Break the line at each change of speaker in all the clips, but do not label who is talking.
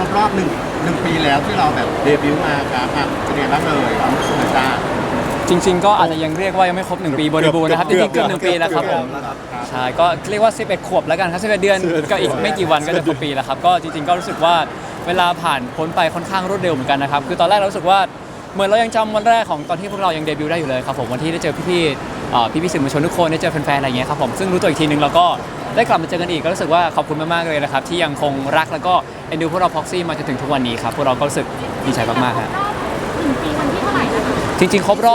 รบรอบหนึ่งปีแล้วที่เราแบบเดบิวต์มาครับเป็นไงบ้างเลยความรู้สึกหน่อยจ้า
จริงๆก็อาจจะยังเรียกว่ายังไม่ครบ1ปีบริบูรณ์นะครับจริงๆเกือบ1ปีแล้วครับผมใช่ก็เรียกว่า11ขวบแล้วกันครับ11เดือนก็อีกไม่กี่วันก็จะครบปีแล้วครับก็จริงๆก็รู้สึกว่าเวลาผ่านพ้นไปค่อนข้างรวดเร็วเหมือนกันนะครับคือตอนแรกเรารู้สึกว่าเหมือนเรายังจำวันแรกของตอนที่พวกเรายังเดบิวต์ได้อยู่เลยครับผมวันที่ได้เจอพี่ๆสื่อมวลชนทุกคนได้เจอแฟนๆอะไรอย่างเงี้ยครับผมซึ่งรู้ตัวอีกทีนึงเราก็ได้กลับมาเจอกันอีกก็รู้สึกว่าขอบคุณมากๆเลยนะครับที่ยังคงรักแล้วก็เอ็นดูพวกเราพ็อกซี่มาจนถึงทุกวันนี้ครับพวกเราก็รู้สึกดีใจมากๆครับ
1 ปีวันที่เท่าไหร่นะคะ
จริงๆครบรอบ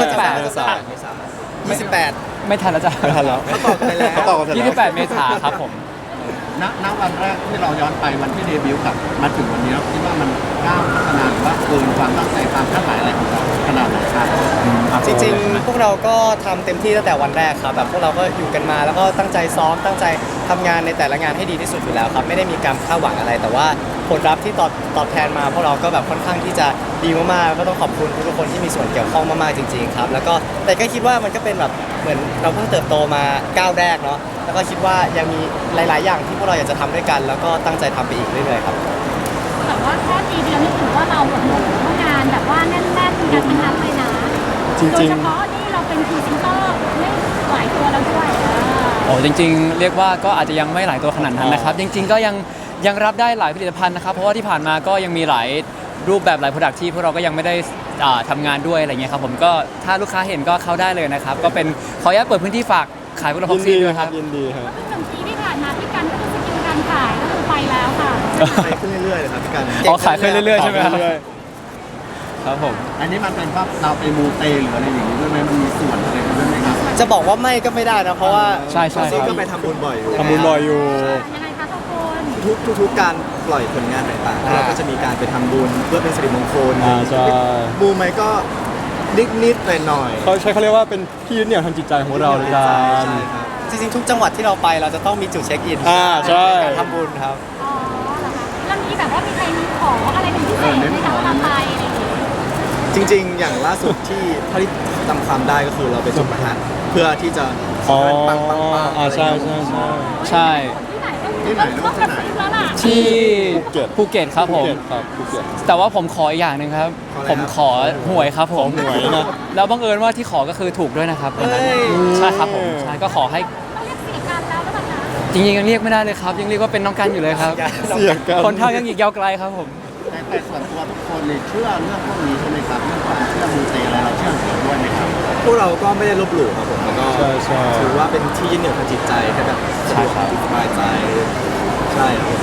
28
ไม่ทันแล้วจ้ะ
ไม่ทันแล้วเขาตอบกันไปแล้วเขาตอบกันไปแล้ว
28 เมษายนครับผม
ณวันแรกที่เราย้อนไปวันที่เดบิวต์กับมาถึงวันนี้เราคิดว่ามันก้าวพัฒนาหรือว่าเกินความตั้งใจความคาดหมายอะไรของเราขนาดไหนครับ
จริงๆพวกเราก็ทำเต็มที่ตั้งแต่วันแรกครับแบบพวกเราก็อยู่กันมาแล้วก็ตั้งใจซ้อมตั้งใจทำงานในแต่ละงานให้ดีที่สุดอยู่แล้วครับไม่ได้มีการคาดหวังอะไร แต่ว่าผลลัพธ์ที่ตอบแทนมาพวกเราก็แบบค่อนข้างที่จะดีมากๆก็ต้องขอบคุณทุกๆคนที่มีส่วนเกี่ยวข้องมากๆจริงๆครับแล้วก็แต่ก็คิดว่ามันก็เป็นแบบเหมือนเราเพิ่งเติบโตมาก้าวแรกเนาะแล้วก็คิดว่ายังมีหลายๆอย่างที่พวกเราอยากจะทำด้วยกัน แล้วก็ตั้งใจทำไปอีกเรื่อยๆครับ
แต่ว่าแค่ปีเดียวนี่ถือว่าเราแบบงานแบบว่าแน่นๆกันทั้งนั้นเลยนะโดยเฉพาะนี่เราเป็นพรีเซนเตอร์ไม่หลายตัวแล้วด้วย
โอ้จริงๆเรียกว่าก็อาจจะยังไม่หลายตัวขนาดนั้นนะครับจริงๆก็ยังรับได้หลายผลิตภัณฑ์นะครับเพราะว่าที่ผ่านมาก็ยังมีหลายรูปแบบหลายโปรดักที่พวกเราก็ยังไม่ได้ทำงานด้วยอะไรเงี้ยครับผมก็ถ้าลูกค้าเห็นก็เข้าได้เลยนะครับก็เป็นขออนุญาตเปิดพื้นที่ฝากขายพวกเราพ็อกซี่ด้วยครับ
ยินดีครับ
ก็คือ1 ปีที่ผ่านมาพี่กันก็คือสกิลการขายก็คือไปแล้วค่ะ
ขายขึ้นเรื่อยๆเลยครับพี่กัน
อ๋อขายขึ้นเรื่อยๆใช่ไหมครับครับผม
อันนี้มันเป็นว่าเราไปมูเตหรืออะไรอย่างนี้ด้วยไหมมันมีส่วนอะไรด้วยไหมครับ
จะบอกว่าไม่ก็ไม่ได้นะเพราะว่า
ใช่ใช่
ซีก็ไปทำบุญบ่อยอยู่
ทำบุญบ่อยอยู่
ยังไงคะทุกคน
ทุกการปล่อยผลงานต่างๆเราก็จะมีการไปทำบุญเพื่อเป็นสิริมงคล
ใช่
บูมไหมก็นิดๆหน่อยๆ
เขาเรียกว่าเป็นที่ยึดเหนี่ยวทางจิตใจของเราเลยกัน
ใช่ครับจริงๆทุกจังหวัดที่เราไปเราจะต้องมีจุดเช็คอิน
ใช่
การทำบุญครับ
อ๋อเหรอคะแล้วมีแบบว่ามีใครมีขออะไรเป็นพิเศษไหมคะเวลาไปอะไรอย่างเงี้ย
จริงๆ อย่างล่าสุดที่เท่าที่จำความได้ก็คือเราไปจุดประทัดเพื่อที่จะขอให้ปังๆ
ใช่
ใช่
ที่ไหนต้องกระซิบแล้วล่ะ
ที่ภูเก็ตครับผม
ครับภูเก็ต
แต่ว่าผมขออีกอย่างหนึ่งครับผมขอหวยครับผม
หวยนะ
แล้วบังเอิญว่าที่ขอก็คือถูกด้วยนะครับวันนั้นใช่ครับผมใช่ก็ขอให้
ต้องเรียกเสียการแล้วหรือเปล่าคะ
จริงๆยังเรียกไม่ได้เลยครับยังเรียกว่าเป็นน้องกันอยู่เลยครับ
เสียกัน
คนเท่ายังอีกยาวไกลครับผม
แต่ส่วนตัวทุกคนเนี่ยเชื่อเรื่องพวกนี้ใช่ไหมครับเรื่องความเชื่อมูเตอะไรเราเชื่อถือด้วยไหมครับ
พวกเราก็ไม่ได้ลบหลู่ครับผมแล้วก็
ใช่
ถือว่าเป็นที่ยึดเหนี่ยวทางจิตใจให้แบบสะดวกสบายใจใช่ครับ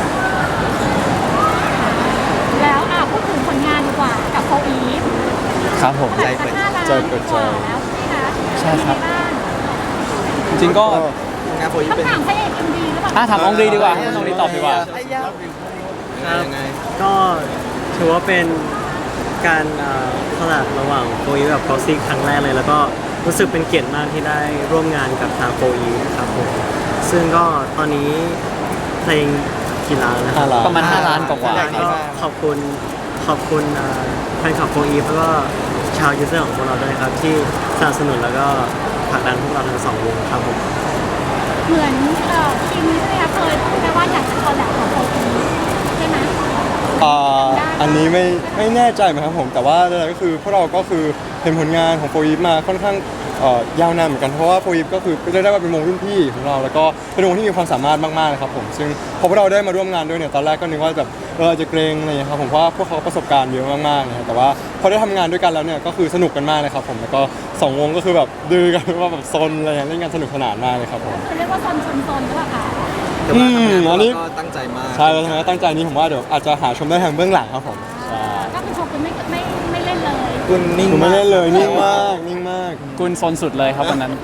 แล้วพูดถึงผลงานดีกว่ากับโฟอีฟ
ครับผม
เท่าไหร่คะ5 ล้านกว่าแล้วใช่ไหมคะ
ใช่ครับ
เป็นไงาง
จริงๆก็
งานโฟอีฟ
ต้อง
เป็น
ถามพระเอกเอ็มดีหรือเปล่า
ถามองดีดีกว่าให้น้องดีตอบดีกว่า
ยังไง
ก็ถือว่าเป็นการคอลแลบระหว่างโฟอีกับ Proxy ครั้งแรกเลย แล้วก็รู้สึกเป็นเกียรติมากที่ได้ร่วมงานกับทางโฟอีครับผมซึ่งก็ตอนนี้เพลงกี่ล้านแล้วนะครับ
5 ล้าน
ประมาณ5 ล้านกว่า
ก็ขอบคุณแฟนคลับโฟอีแล้วก็ชาวยูเซอร์ของพวกเราด้วยครับ ที่สนับสนุนแล้วก็ผลักดันพวกเราทั้งสองวงครับผม
เหมือนทีมนี้ใช่ไหมคะเคยพูดไปว่าอยากจะคอลแลบกับโฟอีฟใช่ไหม
อันนี้ไม่แน่ใจเหมือนกันครับผมแต่ว่าอะไรก็คือพวกเราก็คือเห็นผลงานของโฟอีฟมาค่อนข้างยาวนานเหมือนกันเพราะว่าโฟอีฟก็คือเรียกได้ว่าเป็นวงรุ่นพี่ของเราแล้วก็เป็นวงที่มีความสามารถมากๆเลยครับผมซึ่งพอพวกเราได้มาร่วมงานด้วยเนี่ยตอนแรกก็นึกว่าแบบจะเกรงอะไรอย่างเงี้ยครับผมเพราะว่าพวกเขาประสบการณ์เยอะมากๆนะครับแต่ว่าพอได้ทำงานด้วยกันแล้วเนี่ยก็คือสนุกกันมากเลยครับผมแล้วก็2 วงก็คือแบบดื้อกันว่าแบบซนอะไรอย่างเงี้ยเล่นกันสนุกสนานมากเลยครับผม
คือเรียกว่าซนหรือเปล่าคะ
แต่ว่าทำงาน
อันนี้
เราก็ตั้งใจมาก
ใช่แล้วทำไมตั้งใจนี้ผมว่าเดี๋ยวอาจจะหาชมได้ทางเบื้องหลังครับผมใช่
ก็คือโชว์คุณไม่เล่นเลย
คุณนิ่ง
ผมไม่
มาก
เล่นเลยนิ่งมากนิ่งมาก
กุนซนสุดเลยครับวันนั้น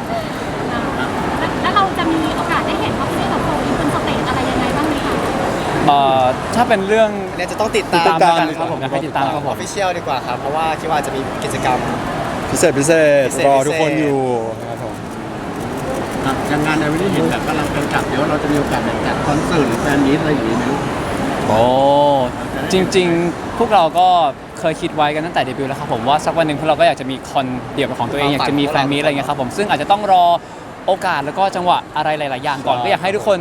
แล้วเราจะมีโอกาสได้เห็นพ็อกซี่กับโฟอีฟบนสเตจอะไรยังไงบ้างไหมคะ
ถ้าเป็นเรื่อง
เนี่ยจะต้องติด
ติด
ตาม
ตามแล้วกันครับผมอยากให้ติดตามครับ
อ
ผ
อ
ม
ฟฟิเชียลดีกว่าครับเพราะว่าคิดว่าจะมีกิจกรรม
พิเศษ
พิเศษ
รอทุกคนอยู่นะครับผม
ครับอย่างงานในวันนี้เห็นแบบกำลังเป็นจับเดี๋ยวเราจะมีโอกาสแบบจัดคอนเสิร์ตหรือแฟนมีตอะไรอย่างนี้ไหมลูก
โอ้จริงๆ พวกเราก็เคยคิดไว้กันตั้งแต่เดบิวต์แล้วครับผมว่าสักวันหนึ่งพวกเราก็อยากจะมีคอนเดี่ยวเป็นของตัวเองอยากจะมีแฟนมีตอะไรเงี้ยครับผมซึ่งอาจจะต้องรอโอกาสแล้วก็จังหวะอะไรหลายๆอย่างก่อนก็อยากให้ทุกคน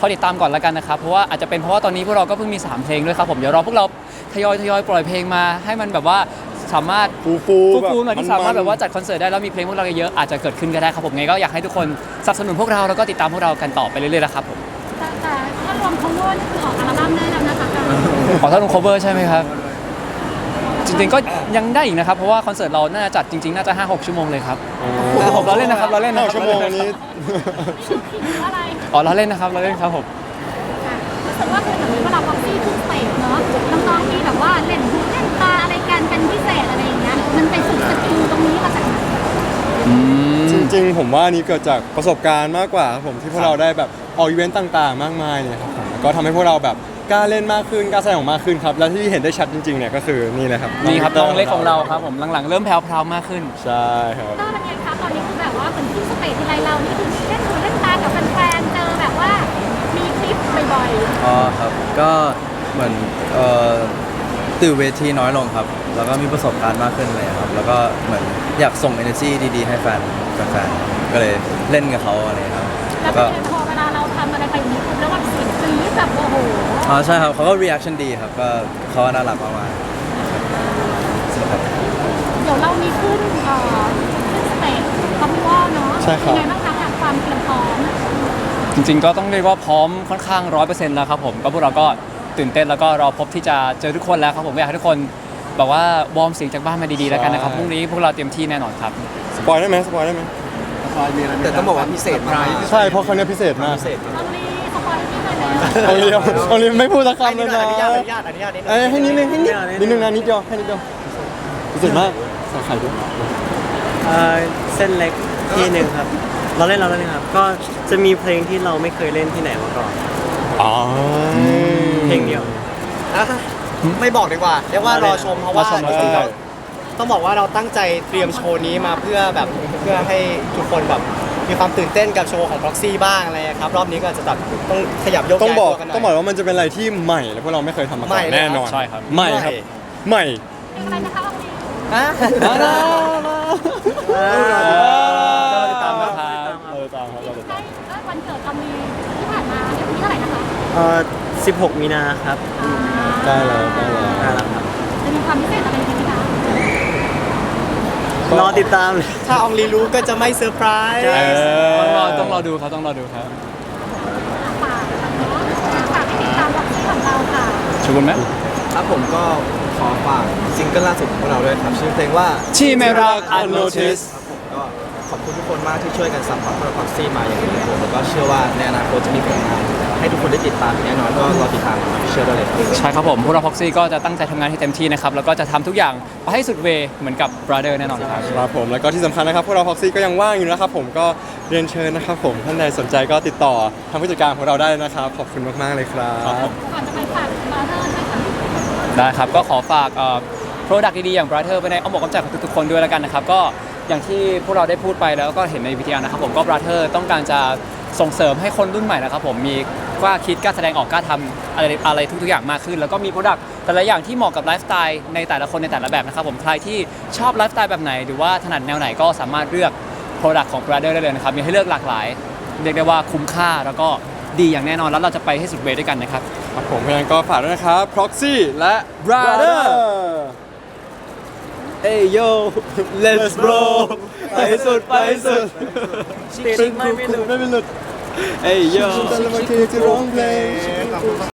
คอยติดตามก่อนแล้วกันนะครับเพราะว่าอาจจะเป็นเพราะว่าตอนนี้พวกเราก็เพิ่งมี3เพลงด้วยครับผมเดี๋ยวรอพวกเราทยอยปล่อยเพลงมาให้มันแบบว่าสามารถ ฟูหน่อยที่สามารถแบบว่าจัดคอนเสิร์ตได้แล้วมีเพลงพวกเราเยอะๆอาจจะเกิดขึ้นก็ได้ครับผมไงก็อยากให้ทุกคนสนับสนุนพวกเราแล้วก็ติดตามพวกเรากันต่อไปเรื่อยๆนะครับผม
แต่ถ้ารวม cover นี่คือออกอัลบั้มได้แล้วนะคะ
ขอท่านลง cover ใช่ไหมครับจริงๆก็ยังได้อีกนะครับเพราะว่าคอนเสิร์ตเราน่าจะจัดจริงๆน่าจะ 5-6 ชั่วโมงเลยครับผมเราเล่นนะครับเราเล่นนะค
ห้า
รับ
ชั่วโมงอันนี้
คืออะไร
อ๋อเราเล่นนะครับเราเล่นครับผม
รู้สึกว่าคือเหมือนเวลาพ็อกซี่ขึ้นสเตจเนาะน้องๆมีแบบว่าเล่นหูเล่นตาอะไรกันเป็นพิเศษอะไรอย่างเงี้ยมันไปฝึกสกิลตรงนี้มาจากไหน
จริงๆผมว่าอันนี้เกิดจากประสบการณ์มากกว่าครับผมที่พวกเราได้แบบออกอีเวนต์ต่างๆ มากมายเนี่ยครับผมก็ทำให้พวกเราแบบกล้าเล่นมากขึ้นกล้าแสดงออกมากขึ้นครับและที่เห็นได้ชัดจริงๆเนี่ยก็คือนี่เลยครับ
นี่ครับน้องเล็กของเราครับผมหลังๆเริ่มแพรวๆมากขึ้น
ใช่ครับ
ก็เป็นไงคะตอนนี้คือแบบว่าเหมือนขึ้นสเตจทีไรเรานี่คือเล่นหูเล่นตากับแฟนๆเจอแบบว่ามีคลิปบ่อยๆ
อ๋อครับก็เหมือนตื่นเวทีน้อยลงครับ แล้วก็มีประสบการณ์มากขึ้นเลยครับ แล้วก็เหมือนอยากส่ง energy ดีๆ ให้แฟนๆก็เลยเล่นกับเขาอะไรครับ
แล้ว
ก็
เป็นไงพอเวลาเราทำอะไรไปอย่างนี้ปุ๊บแล้วแบบเสียงกรี๊ดแบบโอ้โห
อ๋อใช่ครับเขาก็ reaction ดีครับก็เขาน่ารักมากๆสนุกครับ
เดี๋ยวเรามีขึ้นสเตจคอมมิวอลเนาะ
ใช่ครับ
ยังไงบ้างคะกับความเตรียมพร้อม
จริงๆก็ต้องเรียกว่าพร้อมค่อนข้าง 100%แล้วครับผมก็พวกเราก็ตื่นเต้นแล้วก็รอพบที่จะเจอทุกคนแล้วครับผมอยากให้ทุกคนแบบว่าวอร์มเสียงจากบ้านมาดีๆแล้วกันนะครับพรุ่งนี้พวกเราเตรียมที่แน่นอนครับ
สปอยได้ไหมสปอยได้ไหม
ซอยมีอะไร
แต่ต้องบอกว่าพิเศษมาก
ใช่เพราะครั้งนี้พิเศษมาก
ต้องรีสปอยล์ที่ไปแล้ว
เอาเรียวเอาเรียวไม่พูดสักคำเลยนะ
อนุญาตนิดนึง
เอ้ยให้นิดนึงให้นิดนึงนะนิดเดียวให้นิดเดียวพิเศษมากใส่ไข่ด้วย
เส้นเล็กที่หนึ่งครับ เราเล่นครับ ก็จะมีเพลงที่เราไม่เคยเล่นที่ไหนมาก่อน
อ๋อ
เพลงเดียว
อ่ะไม่บอกดีกว่าเรียกว่ารอชมเพราะว่า
รอชม
จริงๆต้องบอกว่าเราตั้งใจเตรียมโชว์นี้มาเพื่อให้ทุกคนแบบมีความตื่นเต้นกับโชว์ของ Proxy บ้างอะไรครับรอบนี้ก็อาจจะแบบต้องขยับยก
ต้อง
ย้าย
บอก
ตัวกันหน่อย
ต้องบอกว่ามันจะเป็นอะไรที่ใหม่และพวกเราไม่เคยทำมาก่
ใหม่
อน
เลย
แน่นอน
ใช่ครับ
ใหม่ครับใหม่
เพลงอะไรนะคะวันนี้
อ่ะ
ก็ติดตามนะครับ
เราตามครับเราตาม
ได้วันเกิดตอนนี้ที่ผ่านมาเนี่ยวันที่เท่าไหร่นะคะ
16 มีนาครับ
ใกล้แล้วใกล้แล้ว
น่ารักครับ
จะมีความพิเศษอะไรกันไหมคะ
รอติดตามเลย
ถ้าอองลีรู้ก็จะไม่เซอร์ไพรส์
ต้องรอดูครับต้องรอดูครับ
ฝากเนาะฝากให้ติดตามบ็อกซี่ของเราค่ะ
ชวนไหม
ครับผมก็ขอฝากซิงเกิลล่าสุดของพวกเราด้วยครับชื่อเพลงว่า
ชีเมรัก Unnoticed
ครับผมก็ขอบคุณทุกคนมากที่ช่วยกันซัพพอร์ตพวกเราพ็อกซี่มาอย่างดีครับผมแล้วก็เชื่อว่าในอนาคตจะมีผลงานให้ทุกคนได้ติดตามแน่นอนก็รอติดตามเชื่อได้เลยครับ
ใช่ครับผมพวกเราพ็อกซี่ก็จะตั้งใจทำงานให้เต็มที่นะครับแล้วก็จะทำทุกอย่างไปให้สุดเวย์เหมือนกับ Brother แน่นอนครับ
ครับผมแล้วก็ที่สำคัญนะครับพวกเราพ็อกซี่ก็ยังว่างอยู่นะครับผมก็เรียนเชิญนะครับผมท่านใดสนใจก็ติดต่อทางผู้จัดการของเราได้นะครับขอบคุณมากๆเลยครับ
ก่อนจะไปฝากบราเธอร์ด้วยค่ะ
ได้ครับก็ขอฝากโปรดักต์ดีๆอย่าง Brother ไปในอ้อมอกอ้อมใจของทุกๆคนด้วยแล้วกันนะครับก็อย่างที่พวกเราได้พูดไปแล้วก็เห็นในวิทยานะครับผมก็ Brother ต้องการจะส่งเสริมให้คนรุ่นใหม่นะครับผมมีกล้าคิดกล้าแสดงออกกล้าทำอะไรทุกๆอย่างมากขึ้น แล้วก็มีโปรดักต์แต่ละอย่างที่เหมาะกับไลฟ์สไตล์ในแต่ละคนในแต่ละแบบนะครับผมใครที่ชอบไลฟ์สไตล์แบบไหนหรือว่าถนัดแนวไหนก็สามารถเลือกโปรดักต์ของ Brother ได้เลยนะครับมีให้เลือกหลากหลาย เรียกได้ว่าคุ้มค่าแล้วก็ดีอย่างแน่นอนแล้วเราจะไปให้สุดเวย์ด้วยกันนะครับ
ครับผมเพราะฉะนั้นก็ฝากด้วยนะครับ Proxy และ
Brother
Hey yo let's bro ไปสุดไปสุด
เป็นครูไม่เป็นหลุด
Hey yo
แต่ละวันที่จะร้องเพลง
ขอบคุณมาก